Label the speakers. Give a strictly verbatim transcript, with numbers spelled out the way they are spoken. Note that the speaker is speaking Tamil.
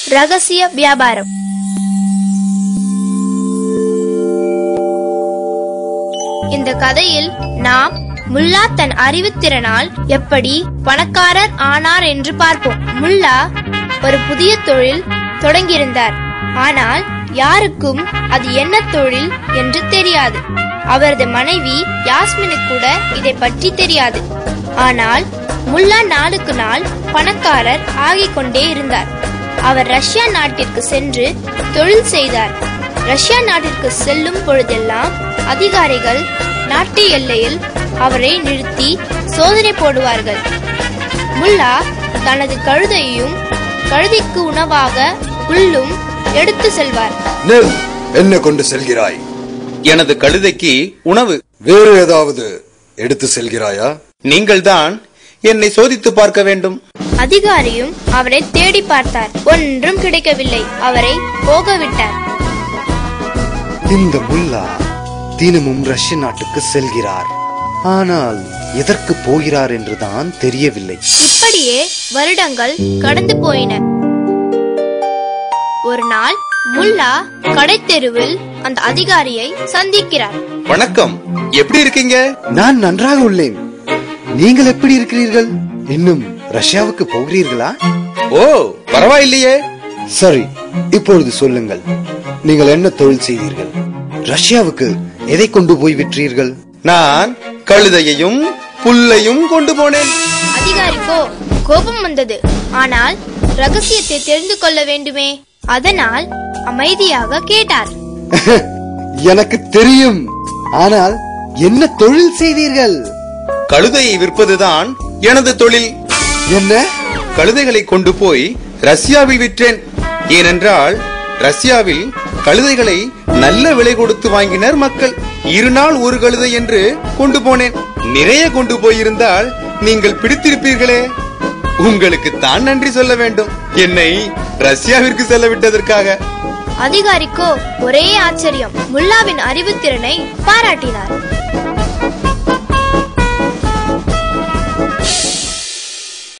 Speaker 1: ரகசிய வியாபாரம். இந்த கதையில் நாம் முல்லா தன் அறிவுத்திறனால் எப்படி பணக்காரர் ஆனார் என்று பார்ப்போம். முல்லா ஒரு புதிய தொழில் தொடங்கியிருந்தார். ஆனால் யாருக்கும் அது என்ன தொழில் என்று தெரியாது. அவரது மனைவி யாஸ்மினுக்கு கூட இதை பற்றி தெரியாது. ஆனால் முல்லா நாளுக்கு நாள் பணக்காரர் ஆகிக் கொண்டே இருந்தார். அவர் ரஷ்யா நாட்டிற்கு சென்று தொழில் செய்தார். ரஷ்யா நாட்டிற்கு செல்லும் பொழுதெல்லாம் அதிகாரிகள் நாட்டு எல்லையில் அவரை நிறுத்தி சோதனை போடுவார்கள். முல்லா தனது கழுதையையும் கழுதைக்கு உணவாக புல்லும் எடுத்து செல்வார்.
Speaker 2: என்ன கொண்டு செல்கிறாய்?
Speaker 3: எனது கழுதைக்கு உணவு.
Speaker 2: வேறு ஏதாவது எடுத்து செல்கிறாயா?
Speaker 3: நீங்கள் தான் என்னை சோதித்து பார்க்க வேண்டும்.
Speaker 1: அதிகாரியும் அவரை தேடி பார்த்தார். ஒன்றும் கிடைக்கவில்லை. அவரை போக விட்டார்.
Speaker 4: இந்த முல்லா தினமும் ரஷ்ய நாட்டுக்கு செல்கிறார். ஆனால் எதற்கு போகிறார் என்றுதான் தெரியவில்லை.
Speaker 1: இப்படியே வருடங்கள் கடந்து போயின. ஒரு நாள் முல்லா கடைத்தெருவில் அந்த அதிகாரியை சந்திக்கிறார்.
Speaker 3: வணக்கம், எப்படி இருக்கீங்க?
Speaker 4: நான் நன்றாக உள்ளேன். நீங்கள் எப்படி இருக்கிறீர்கள்? இன்னும் ரஷ்யாவுக்கு போகிறீர்களா?
Speaker 3: ஓ, பரவாயில்லையே.
Speaker 4: சரி, இப்பொழுது சொல்லுங்கள், நீங்கள் என்ன தொழில் செய்தீர்கள்? ரஷ்யாவுக்கு எதை கொண்டு போய் விற்றீர்கள்?
Speaker 3: நான் கழுதையையும் புல்லையும் கொண்டு போனேன்.
Speaker 1: அதிகாரிக்கோ கோபம் வந்தது. ஆனால் ரகசியத்தை தெரிந்து கொள்ள வேண்டுமே. அதனால் அமைதியாக கேட்டார்.
Speaker 4: எனக்கு தெரியும். ஆனால் என்ன தொழில் செய்தீர்கள்?
Speaker 3: கழுதையை விற்பதுதான் எனது தொழில்.
Speaker 4: என்ன?
Speaker 3: கழுதைகளை கொண்டு போய் ரஷ்யாவில் விற்றேன். ஏனென்றால் ரஷ்யாவில் கழுதைகளை நல்ல விலை கொடுத்து வாங்கினர் மக்கள். இரு நாள் ஒரு கழுதை என்று கொண்டு போனேன். நிறைய கொண்டு போயிருந்தால் நீங்கள் பிடித்திருப்பீர்களே. உங்களுக்கு தான் நன்றி சொல்ல வேண்டும், என்னை ரஷ்யாவிற்கு செல்ல விட்டதற்காக.
Speaker 1: அதிகாரிக்கோ ஒரே ஆச்சரியம். முல்லாவின் அறிவுத்திறனை பாராட்டினார்.